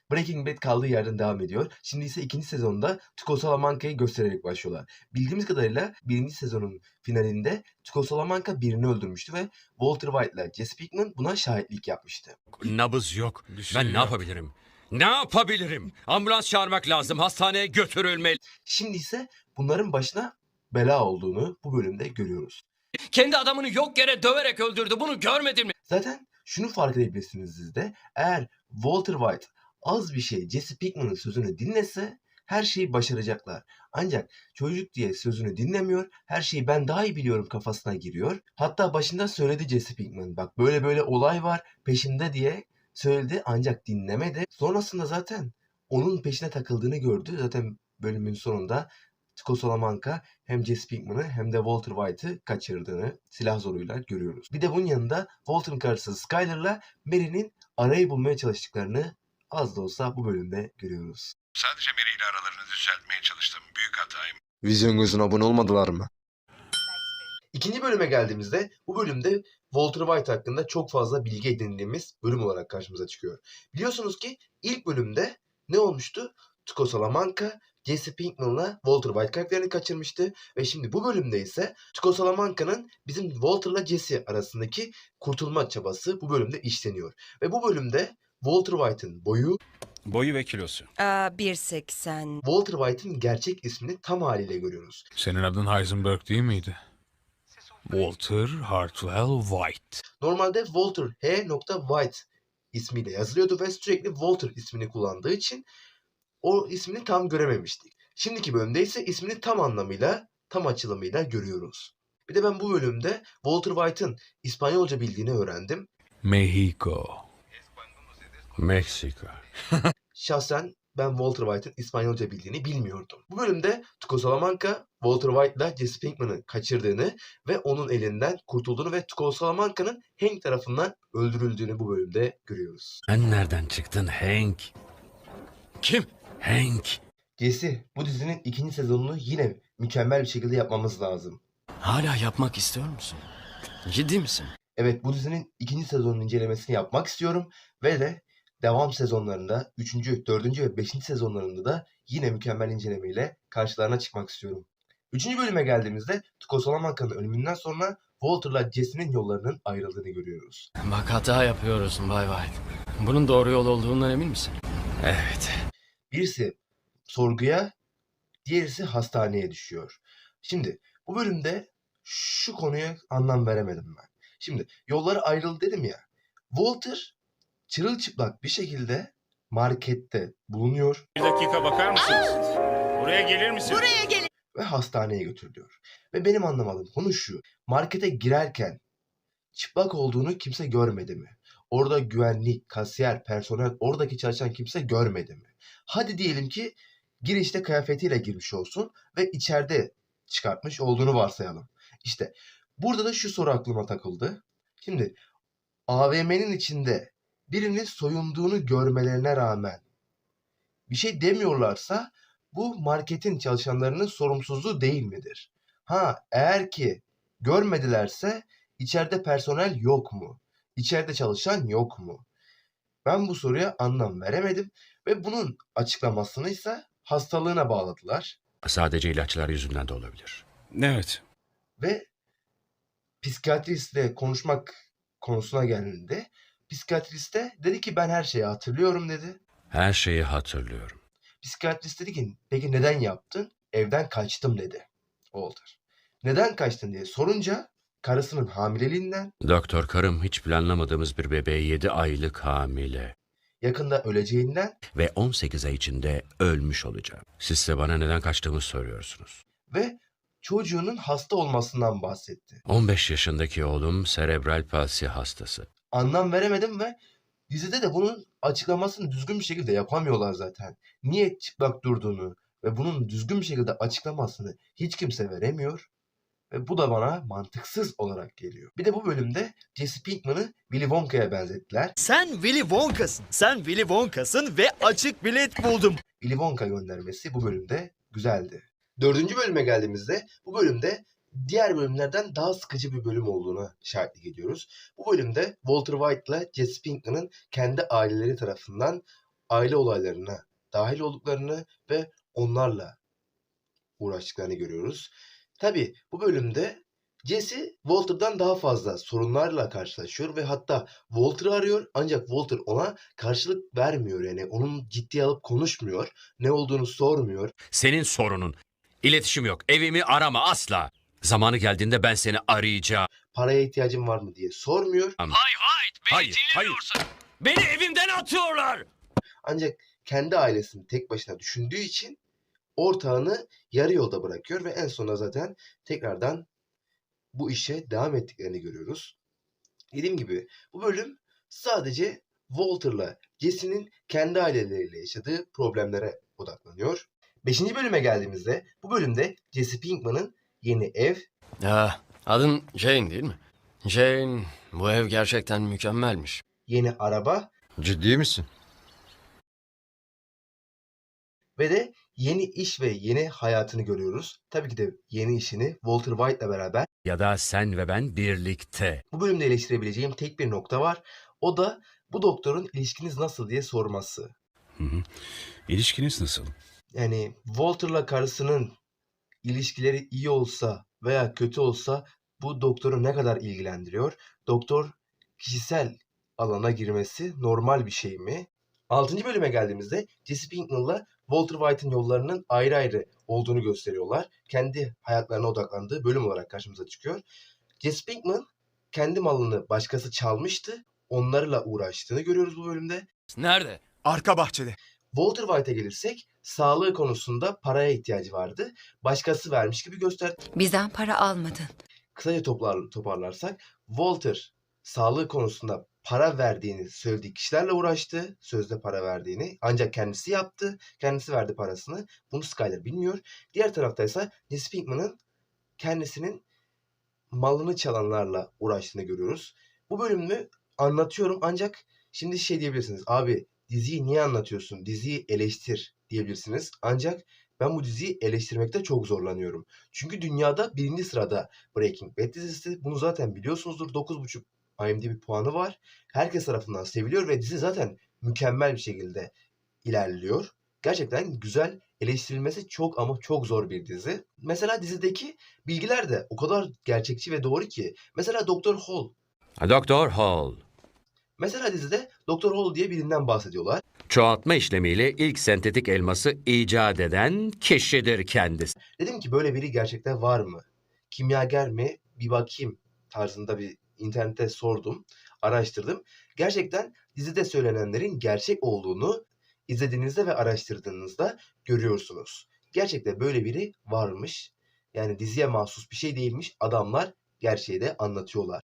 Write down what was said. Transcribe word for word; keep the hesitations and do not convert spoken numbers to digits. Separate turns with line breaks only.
Breaking Bad kaldığı yerden devam ediyor. Şimdi ise ikinci sezonda Tuco Salamanca'yı göstererek başlıyorlar. Bildiğimiz kadarıyla birinci sezonun finalinde Tuco Salamanca birini öldürmüştü ve Walter White ile Jesse Pinkman buna şahitlik yapmıştı.
Nabız yok.
şey
ben ne
yok.
yapabilirim? Ne yapabilirim? Ambulans çağırmak lazım. Hastaneye götürülmeli.
Şimdi ise bunların başına bela olduğunu bu bölümde görüyoruz.
Kendi adamını yok yere döverek öldürdü. Bunu görmedin mi?
Zaten şunu fark edebilirsiniz siz de. Eğer Walter White az bir şey Jesse Pinkman'ın sözünü dinlese her şeyi başaracaklar. Ancak çocuk diye sözünü dinlemiyor. Her şeyi ben daha iyi biliyorum kafasına giriyor. Hatta başında söyledi Jesse Pinkman. Bak böyle böyle olay var peşimde diye söyledi ancak dinlemedi. Sonrasında zaten onun peşine takıldığını gördü. Zaten bölümün sonunda Tuco Salamanca hem Jesse Pinkman'ı hem de Walter White'ı kaçırdığını silah zoruyla görüyoruz. Bir de bunun yanında Walter'ın karısı Skyler'la Mary'nin arayı bulmaya çalıştıklarını az da olsa bu bölümde görüyoruz.
Sadece Mary ile aralarını düzeltmeye çalıştım. Büyük hatayım.
Vizyon gözüne abone olmadılar mı?
İkinci bölüme geldiğimizde bu bölümde Walter White hakkında çok fazla bilgi edindiğimiz bölüm olarak karşımıza çıkıyor. Biliyorsunuz ki ilk bölümde ne olmuştu? Tuco Salamanca Jesse Pinkman'la Walter White karakterini kaçırmıştı ve şimdi bu bölümde ise Tuco Salamanca'nın bizim Walter'la Jesse arasındaki kurtulma çabası bu bölümde işleniyor. Ve bu bölümde Walter White'ın boyu,
Boyu ve kilosu.
Aa, bir seksen.
Walter White'ın gerçek ismini tam haliyle görüyoruz.
Senin adın Heisenberg değil miydi? Walter Hartwell White.
Normalde Walter H. White ismiyle yazılıyordu ve sürekli Walter ismini kullandığı için o ismini tam görememiştik. Şimdiki bölümde ise ismini tam anlamıyla, tam açılımıyla görüyoruz. Bir de ben bu bölümde Walter White'ın İspanyolca bildiğini öğrendim.
Mexico.
Meksika.
Şahsen ben Walter White'ın İspanyolca bildiğini bilmiyordum. Bu bölümde Tuco Salamanca, Walter White'la Jesse Pinkman'ı kaçırdığını ve onun elinden kurtulduğunu ve Tuco Salamanca'nın Hank tarafından öldürüldüğünü bu bölümde görüyoruz.
Sen nereden çıktın Hank? Kim? Hank.
Jesse, bu dizinin ikinci sezonunu yine mükemmel bir şekilde yapmamız lazım.
Hala yapmak istiyor musun? Ciddi misin?
Evet, bu dizinin ikinci sezonunun incelemesini yapmak istiyorum ve de devam sezonlarında üçüncü, dördüncü ve beşinci sezonlarında da yine mükemmel incelemeyle karşılarına çıkmak istiyorum. üçüncü bölüme geldiğimizde Tuco Salamanca'nın ölümünden sonra Walter'la Jesse'nin yollarının ayrıldığını görüyoruz.
Bak hata yapıyorsun Bay White. Bunun doğru yol olduğundan emin misin?
Evet.
Birisi sorguya, diğerisi hastaneye düşüyor. Şimdi bu bölümde şu konuya anlam veremedim ben. Şimdi yolları ayrıldı dedim ya. Walter çırılçıplak bir şekilde markette bulunuyor.
Bir dakika bakar mısınız? Buraya gelir misin?
Buraya gelin.
Ve hastaneye götürülüyor. Ve benim anlamadığım konu şu. Markete girerken çıplak olduğunu kimse görmedi mi? Orada güvenlik, kasiyer, personel, oradaki çalışan kimse görmedi mi? Hadi diyelim ki girişte kıyafetiyle girmiş olsun ve içeride çıkartmış olduğunu varsayalım. İşte burada da şu soru aklıma takıldı. Şimdi A V M'nin içinde birinin soyunduğunu görmelerine rağmen bir şey demiyorlarsa bu marketin çalışanlarının sorumsuzluğu değil midir? Ha, eğer ki görmedilerse içeride personel yok mu? İçeride çalışan yok mu? Ben bu soruya anlam veremedim ve bunun açıklamasını ise hastalığına bağladılar.
Sadece ilaçlar yüzünden de olabilir.
Evet.
Ve psikiyatristle konuşmak konusuna geldiğinde psikiyatrist de dedi ki ben her şeyi hatırlıyorum dedi.
Her şeyi hatırlıyorum.
Psikiyatrist dedi ki peki neden yaptın? Evden kaçtım dedi Walter. Neden kaçtın diye sorunca karısının hamileliğinden,
Doktor karım hiç planlamadığımız bir bebeğe yedi aylık hamile.
yakında öleceğinden
Ve on sekiz ay içinde ölmüş olacağım. Siz de bana neden kaçtığımı soruyorsunuz.
ve çocuğunun hasta olmasından bahsetti.
on beş yaşındaki oğlum serebral palsi hastası.
Anlam veremedim ve dizide de bunun açıklamasını düzgün bir şekilde yapamıyorlar zaten. Niye çıplak durduğunu ve bunun düzgün bir şekilde açıklamasını hiç kimse veremiyor. Ve bu da bana mantıksız olarak geliyor. Bir de bu bölümde Jesse Pinkman'ı Willy Wonka'ya benzettiler.
Sen Willy Wonka'sın. Sen Willy Wonka'sın ve açık bilet buldum.
Willy Wonka göndermesi bu bölümde güzeldi. Dördüncü bölüme geldiğimizde bu bölümde diğer bölümlerden daha sıkıcı bir bölüm olduğuna şahitlik ediyoruz. Bu bölümde Walter White ile Jesse Pinkman'ın kendi aileleri tarafından aile olaylarına dahil olduklarını ve onlarla uğraştıklarını görüyoruz. Tabii bu bölümde Jesse Walter'dan daha fazla sorunlarla karşılaşıyor ve hatta Walter'ı arıyor ancak Walter ona karşılık vermiyor, yani onun ciddiye alıp konuşmuyor, ne olduğunu sormuyor.
Senin sorunun. İletişim yok. Evimi arama asla. Zamanı geldiğinde ben seni arayacağım.
Paraya ihtiyacın var mı diye sormuyor.
Hayır, hayır. Beni evimden atıyorlar.
Ancak kendi ailesini tek başına düşündüğü için ortağını yarı yolda bırakıyor ve en sonunda zaten tekrardan bu işe devam ettiklerini görüyoruz. Dediğim gibi bu bölüm sadece Walter'la Jesse'nin kendi aileleriyle yaşadığı problemlere odaklanıyor. Beşinci bölüme geldiğimizde bu bölümde Jesse Pinkman'ın yeni ev,
Ya, adın Jane değil mi? Jane, bu ev gerçekten mükemmelmiş.
yeni araba
Ciddi misin?
ve de yeni iş ve yeni hayatını görüyoruz. Tabii ki de yeni işini Walter White'la beraber.
Ya da sen ve ben birlikte.
Bu bölümde eleştirebileceğim tek bir nokta var. O da bu doktorun ilişkiniz nasıl diye sorması.
Hı hı. İlişkiniz nasıl?
Yani Walter'la karısının ilişkileri iyi olsa veya kötü olsa bu doktoru ne kadar ilgilendiriyor? Doktor kişisel alana girmesi normal bir şey mi? Altıncı bölüme geldiğimizde Jesse Pinkman'la Walter White'ın yollarının ayrı ayrı olduğunu gösteriyorlar. Kendi hayatlarına odaklandığı bölüm olarak karşımıza çıkıyor. Jesse Pinkman kendi malını başkası çalmıştı. Onlarla uğraştığını görüyoruz bu bölümde.
Nerede?
Arka bahçede.
Walter White'a gelirsek sağlığı konusunda paraya ihtiyacı vardı. Başkası vermiş gibi gösterdi.
Bizden para almadın.
Kısaca toplar, toparlarsak Walter sağlığı konusunda para verdiğini söylediği kişilerle uğraştı. Sözde para verdiğini. Ancak kendisi yaptı. Kendisi verdi parasını. Bunu Skyler bilmiyor. Diğer taraftaysa Jesse Pinkman'ın kendisinin malını çalanlarla uğraştığını görüyoruz. Bu bölümü anlatıyorum ancak şimdi şey diyebilirsiniz. Abi diziyi niye anlatıyorsun? Diziyi eleştir diyebilirsiniz. Ancak ben bu diziyi eleştirmekte çok zorlanıyorum. Çünkü dünyada birinci sırada Breaking Bad dizisi. Bunu zaten biliyorsunuzdur. dokuz buçuk IMDb puanı var. Herkes tarafından seviliyor ve dizi zaten mükemmel bir şekilde ilerliyor. Gerçekten güzel, eleştirilmesi çok ama çok zor bir dizi. Mesela dizideki bilgiler de o kadar gerçekçi ve doğru ki. Mesela Doktor Hall.
Doktor Hall.
Mesela dizide Doktor Hall diye birinden bahsediyorlar.
Çoğaltma işlemiyle ilk sentetik elması icat eden kişidir kendisi.
Dedim ki böyle biri gerçekten var mı? Kimyager mi? Bir bakayım tarzında bir internette sordum, araştırdım. Gerçekten dizide söylenenlerin gerçek olduğunu izlediğinizde ve araştırdığınızda görüyorsunuz. Gerçekten böyle biri varmış. Yani diziye mahsus bir şey değilmiş. Adamlar gerçeği de anlatıyorlar.